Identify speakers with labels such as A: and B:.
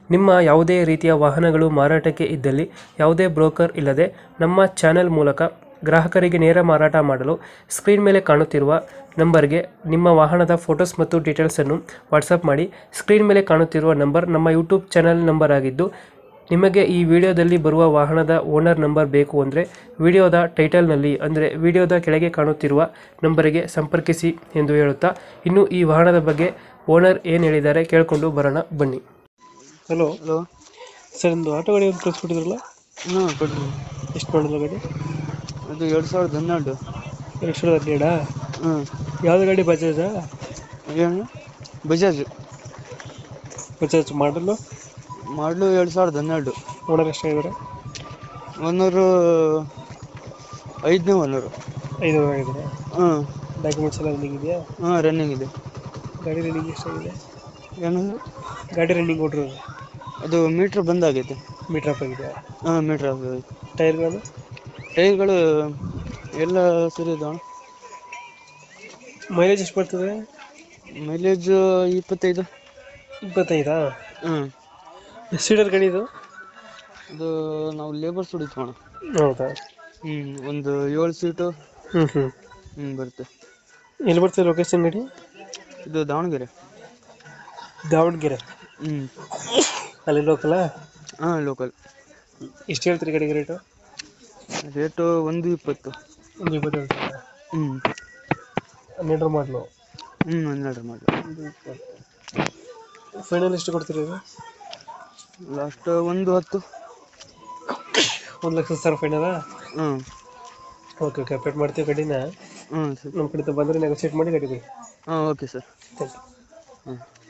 A: ನಿಮ್ಮ ಯಾವುದೇ ರೀತಿಯ ವಾಹನಗಳು ಮಾರಾಟಕ್ಕೆ ಇದ್ದಲ್ಲಿ ಯಾವುದೇ ಬ್ರೋಕರ್ ಇಲ್ಲದೆ ನಮ್ಮ ಚಾನೆಲ್ ಮೂಲಕ ಗ್ರಾಹಕರಿಗೆ ನೇರ ಮಾರಾಟ ಮಾಡಲು ಸ್ಕ್ರೀನ್ ಮೇಲೆ ಕಾಣುತ್ತಿರುವ ನಂಬರ್ಗೆ ನಿಮ್ಮ ವಾಹನದ ಫೋಟೋಸ್ ಮತ್ತು ಡೀಟೇಲ್ಸನ್ನು ವಾಟ್ಸಪ್ ಮಾಡಿ. ಸ್ಕ್ರೀನ್ ಮೇಲೆ ಕಾಣುತ್ತಿರುವ ನಂಬರ್ ನಮ್ಮ ಯೂಟ್ಯೂಬ್ ಚಾನೆಲ್ ನಂಬರ್ ಆಗಿದ್ದು, ನಿಮಗೆ ಈ ವಿಡಿಯೋದಲ್ಲಿ ಬರುವ ವಾಹನದ ಓನರ್ ನಂಬರ್ ಬೇಕು ಅಂದರೆ ವಿಡಿಯೋದ ಟೈಟಲ್ನಲ್ಲಿ ಅಂದರೆ ವಿಡಿಯೋದ ಕೆಳಗೆ ಕಾಣುತ್ತಿರುವ ನಂಬರಿಗೆ ಸಂಪರ್ಕಿಸಿ ಎಂದು ಹೇಳುತ್ತಾ, ಇನ್ನು ಈ ವಾಹನದ ಬಗ್ಗೆ ಓನರ್ ಏನು ಹೇಳಿದ್ದಾರೆ ಕೇಳಿಕೊಂಡು ಬರೋಣ ಬನ್ನಿ. ಹಲೋ
B: ಹಲೋ
A: ಸರ್, ಒಂದು ಆಟೋ ಗಾಡಿ ಒಂದು ಕಳಿಸ್ಬಿಟ್ಟಿದ್ರಲ್ಲ,
B: ಹಾಂ ಕೊಡ್ರಿ.
A: ಎಷ್ಟು ಮಾಡಿದ್ರು ಗಾಡಿ?
B: ಅದು 2012.
A: 2012?
B: ಹ್ಞೂ.
A: ಯಾವ್ದು ಗಾಡಿ? ಬಜಾಜಾ?
B: ಏನು ಬಜಾಜ್
A: ಬಜಾಜ್ ಮಾಡಲು?
B: ಮಾಡಲು 2012.
A: ಓನರ್ ಎಷ್ಟಾಗಿದ್ದಾರೆ?
B: ಓನರು 5ನೇ ಓನರು.
A: 5 ಆಗಿದ್ದಾರೆ.
B: ಹ್ಞೂ.
A: ಡಾಕ್ಯುಮೆಂಟ್ಸ್ ಎಲ್ಲ ರನ್ನಿಂಗ್ ಇದೆಯಾ?
B: ಹಾಂ, ರನ್ನಿಂಗ್ ಇದೆ.
A: ಗಾಡಿ ರನ್ನಿಂಗ್ ಎಷ್ಟಾಗಿದೆ?
B: ಏನಂದ್ರೆ
A: ಗಾಡಿ ರನ್ನಿಂಗ್ ಕೊಟ್ಟಿರೋದು
B: ಅದು ಮೀಟ್ರ್ ಬಂದಾಗೈತೆ.
A: ಮೀಟರ್ ಅಪ್ ಆಗಿದೆಯಾ?
B: ಹಾಂ, ಮೀಟ್ರ್ ಆಗೈತೆ.
A: ಟೈರ್ಗಳು?
B: ಟೈರ್ಗಳು ಎಲ್ಲ ಸರಿ ಇದಾವೆ.
A: ಮೈಲೇಜ್ ಎಷ್ಟು ಬರ್ತದೆ?
B: ಮೈಲೇಜ್ 25.
A: 25?
B: ಹ್ಞೂ.
A: ಎಷ್ಟು ಸೀಟರ್ ಗಾಡಿ ಇದು?
B: ಅದು ನಾವು ಲೇಬರ್ಸ್ ಹೊಡಿತೀವಣ.
A: ಹೌದಾ?
B: ಹ್ಞೂ, ಒಂದು 7 ಸೀಟು. ಬರುತ್ತೆ.
A: ಎಲ್ಲಿ ಬರ್ತದೆ ಲೊಕೇಶನ್ ಗಾಡಿ?
B: ಇದು ದಾವಣಗೆರೆ.
A: ದಾವಣಗೆರೆ?
B: ಹ್ಞೂ.
A: ಅಲ್ಲಿ ಲೋಕಲಾ?
B: ಹಾಂ, ಲೋಕಲ್.
A: ಎಷ್ಟು ಹೇಳ್ತೀರಿ ಗಾಡಿಗೆ ರೇಟು?
B: ರೇಟು 120.
A: 120 ಹೇಳ್ತೀರಾ?
B: ಹ್ಞೂ.
A: 12 ಮಾಡಲು?
B: 12 ಮಾಡಲು.
A: ಫೈನಲ್ ಎಷ್ಟು ಕೊಡ್ತೀರಿ ಇದು?
B: ಲಾಸ್ಟ್ 110.
A: 1,00,000 ಫೈನಲ್ಲ?
B: ಹ್ಞೂ.
A: ಓಕೆ ಓಕೆ, ಅಪ್ಡೇಟ್ ಮಾಡ್ತೀವಿ ಗಾಡಿನ.
B: ಹ್ಞೂ ಸರ್.
A: ನಮ್ಮ ಕಡೆ ಬಂದರೆ ನೆಗೋಸಿಯೇಟ್ ಮಾಡಿ ಗಾಡಿ ಕೊಡಿ.
B: ಹಾಂ, ಓಕೆ ಸರ್.
A: Thank you.
B: ಹಾಂ.